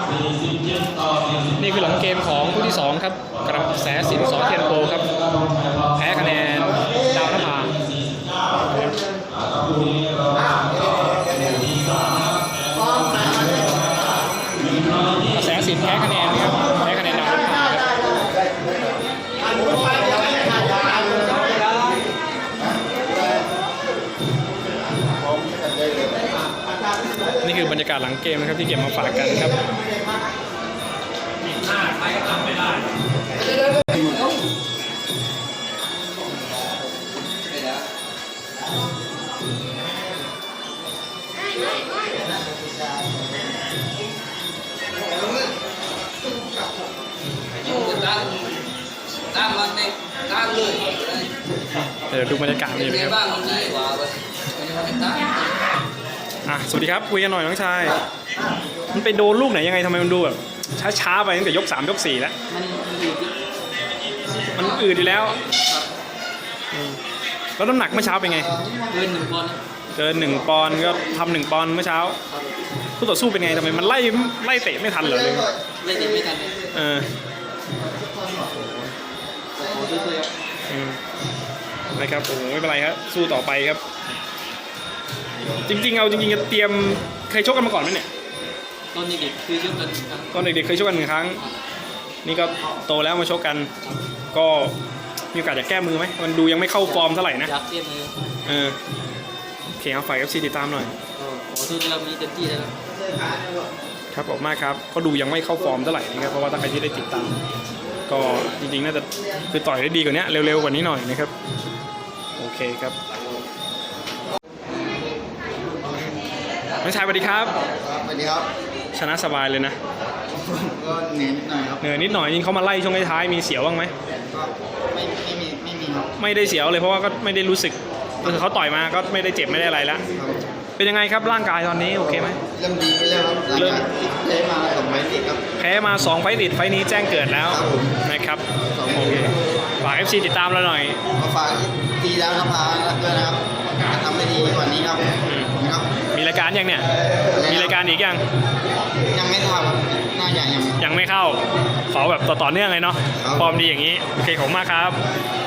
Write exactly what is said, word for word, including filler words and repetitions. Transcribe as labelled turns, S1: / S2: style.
S1: นี่คือหลังเกมของคู่ที่สองครับกระแสสินสอเทียนโพครับแพ้คะแนนดาวนภากระแสสินแพ้คะแนนนะครับแพ้คะแนนดาวนภาครับนี่คือบรรยากาศหลังเกมนะครับที่เก็บมาฝากกันครับเดี๋ยวดูบรรยากาศนี่นะครับอ่ะสวัสดีครับคุยกันหน่อยน้องชายมันไปโดนลูกไหนยังไงทำไมมันดูแบบช้าๆไปตั้งแต่ยกสามยกสี่แล้วมันอืดอยู่แล้วแล้วน้ำหนักเมื่อเช้าเป็นไงเกินหนึ่งปอนด์เกินหนึ่งปอนด์ก็ทำหนึ่งปอนด์เมื่อเช้าคู่ต่อสู้เป็นไงทำไมมันไล่ไล่เตะไม่ทันเหรอเลยไล่เตะไม่ทันเออนะครับโอ้ไม่เป็นไรครับสู้ต่อไปครับจริงๆเอาจริงๆจะเตรียมเคยชกกันมาก่อนไหมเนี่ยตอนเด็กๆเคยชกกันตอนเด็กๆเคยชกกันหนึ่งครั้งนี่ก็โตแล้วมาชกกันก็มีโอกาสจะแก้มือไหมมันดูยังไม่เข้าฟอร์มเท่าไหร่นะอยากแก้มือเออโอเคเอาฝ่าย เอฟ ซี ติดตามหน่อยขอโทษที่เรามีเต็มที่แล้วครับขอบมากครับก็ดูยังไม่เข้าฟอร์มเท่าไหร่นะครับเพราะว่าถ้าใครที่ได้ติดตามก็จริงๆน่าจะคือต่อยได้ดีกว่านี้เร็วๆกว่านี้หน่อยนะครับโอเคครับน้องชายสวัสดีครับ
S2: สวัสดีครับ
S1: ชนะสบายเลยนะ
S2: ก็เหนื่อยนิดหน่อยครับ
S1: เหนื่อยนิดหน่อยยิงเขามาไล่ช่วงท้ายมีเสียวบ้างไหม
S2: ก็ไม่ไม่มีไม่มีครับ
S1: ไม่ได้เสียวเลยเพราะว่าก็ไม่ได้รู้สึกคือเขาต่อยมาก็ไม่ได้เจ็บไม่ได้อะไรแล้วเป็นยังไงครับร่างกายตอนนี้โอเคไหม
S2: เริ่มดีแล้วครับเริ่มแพ้มาสองไฟต์ติดครับ
S1: แพ้มาสองไฟต์ติดไฟต์นี้แจ้งเกิดแล้วนะครับโอเคฝาก เอฟ ซี ติดตามเราหน่อย
S2: มาฝากทีแล้วครับพาด้วยนะครับทำได้ดีกว่านี้ครับนะครับ
S1: มีรายการยังเนี่ยมีรายการอีกยัง
S2: ยังไม่เข้าน่าจะยัง
S1: ยังไม่เข้าขอแบบต่อเนื่องเลยเนาะฟอร์มดีอย่างนี้โอเคขอบคุณมากครับ